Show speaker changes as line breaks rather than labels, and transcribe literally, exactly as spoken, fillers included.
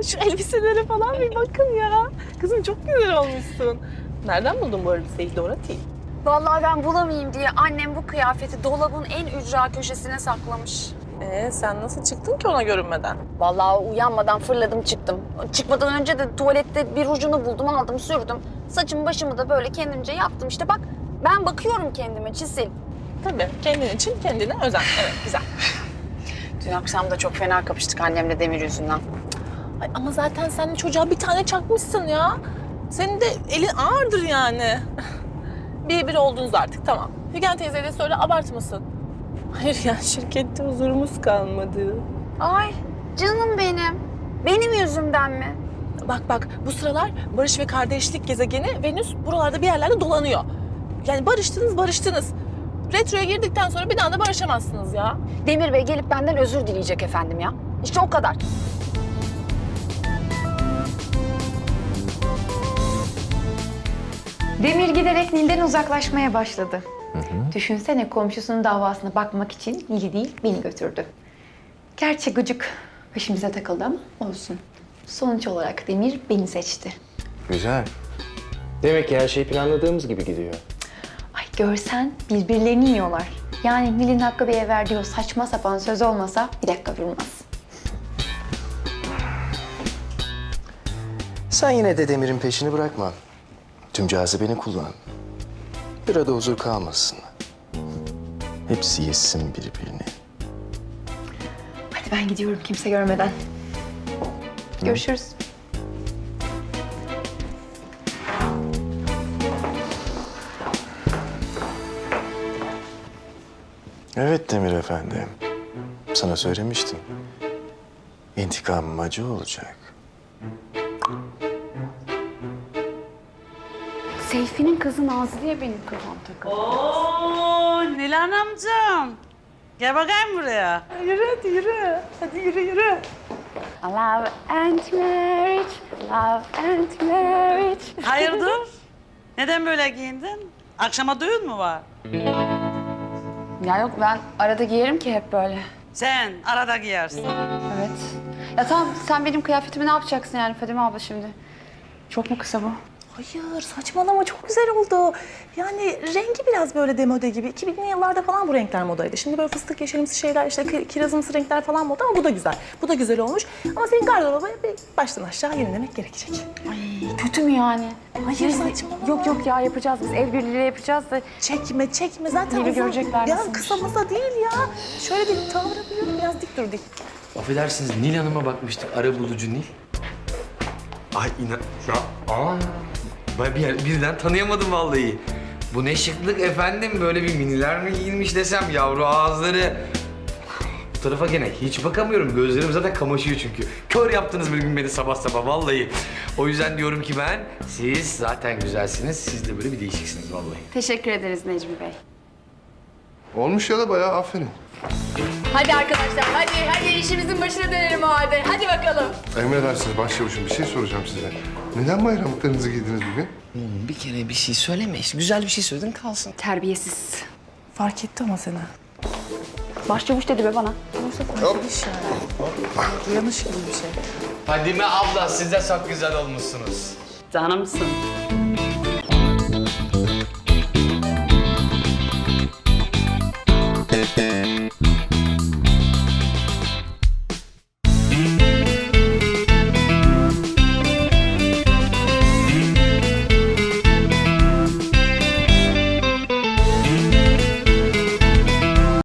şu elbiselere falan bir bakın ya. Kızım çok güzel olmuşsun. Nereden buldun bu elbiseyi Dorothy?
Vallahi ben bulamayayım diye annem bu kıyafeti dolabın en ücra köşesine saklamış.
Ee, sen nasıl çıktın ki ona görünmeden?
Vallahi uyanmadan fırladım çıktım. Çıkmadan önce de tuvalette bir ucunu buldum, aldım, sürdüm. Saçımı başımı da böyle kendimce yaptım. İşte bak, ben bakıyorum kendime Çisil.
Tabii, kendin için kendine özen. Evet, güzel.
Dün akşam da çok fena kapıştık annemle Demir yüzünden.
Ay, ama zaten sen de çocuğa bir tane çakmışsın ya. Senin de elin ağırdır yani. bir bir oldunuz artık, tamam. Figen teyzeye de söyle, abartmasın. Hayır ya, şirkette huzurumuz kalmadı.
Ay canım benim. Benim yüzümden mi?
Bak bak, bu sıralar barış ve kardeşlik gezegeni Venüs buralarda bir yerlerde dolanıyor. Yani barıştınız barıştınız. Retroya girdikten sonra bir daha da barışamazsınız ya.
Demir Bey gelip benden özür dileyecek efendim ya. İşte o kadar.
Demir giderek Nil'den uzaklaşmaya başladı. Hı hı. Düşünsene komşusunun davasına bakmak için Nil'i değil beni götürdü. Gerçi gıcık peşimize takıldı ama olsun. Sonuç olarak Demir beni seçti.
Güzel. Demek ki her şey planladığımız gibi gidiyor.
Ay görsen birbirlerini yiyorlar. Yani Nil'in Hakkı Bey'e verdiği o saçma sapan söz olmasa bir dakika durmaz.
Sen yine de Demir'in peşini bırakma. Tüm cazibeni kullan. Bir arada huzur kalmasın. Hepsi yesin birbirini.
Hadi ben gidiyorum kimse görmeden. Görüşürüz.
Evet Demir Efendi. Sana söylemiştim. İntikamım acı olacak.
Seyfi'nin kızı Nazlı'ya benim kafam takıldı.
Oo, Nilan amcam. Gel bakayım buraya.
Yürü hadi yürü. Hadi yürü yürü.
Love and marriage, love and marriage.
Hayırdır? Neden böyle giyindin? Akşama düğün mü var?
Ya yok, ben arada giyerim ki hep böyle.
Sen arada giyersin.
Evet. Ya tamam, sen benim kıyafetimi ne yapacaksın yani Fadime abla şimdi? Çok mu kısa bu?
Hayır saçmalama, çok güzel oldu. Yani rengi biraz böyle demode gibi. iki binli yıllarda falan bu renkler modaydı. Şimdi böyle fıstık yeşilimsi şeyler, işte ki- kirazımsı renkler falan moda ama bu da güzel. Bu da güzel olmuş. Ama senin gardıroba bir baştan aşağı yenilemek gerekecek.
Ay kötü mü yani?
Hayır saçmalama.
Yok yok ya, yapacağız biz. El birliğiyle yapacağız da.
Çekme çekme zaten.
Yeni
uzun-
görecekler
Ya
nasılmış?
kısa mısa değil ya. Şöyle bir tavrı bir biraz dik dur dik.
Affedersiniz, Nil Hanım'a bakmıştık. Arabulucu Nil. Ay inan... Ya, aa, ben bir, birden tanıyamadım vallahi. Bu ne şıklık efendim. Böyle bir miniler mi giyinmiş desem, yavru ağızları. Bu tarafa gene hiç bakamıyorum. Gözlerim zaten kamaşıyor çünkü. Kör yaptınız bir gün beni sabah sabah vallahi. O yüzden diyorum ki ben, siz zaten güzelsiniz. Siz de böyle bir değişiksiniz vallahi.
Teşekkür ederiz Necmi Bey.
Olmuş ya da bayağı aferin.
Hadi arkadaşlar, hadi hadi işimizin başına dönelim o halde. Hadi bakalım.
Emredersiniz başçavuşum, bir şey soracağım size. Neden bayramlıklarınızı giydiniz bugün?
Oğlum bir kere bir şey söyleme. İşte güzel bir şey söyledin kalsın.
Terbiyesiz.
Fark etti ama seni.
Başçavuş dedi be bana.
Hop.
Uyanış gibi bir şey.
Fadime abla, siz de çok güzel olmuşsunuz.
Canımsın.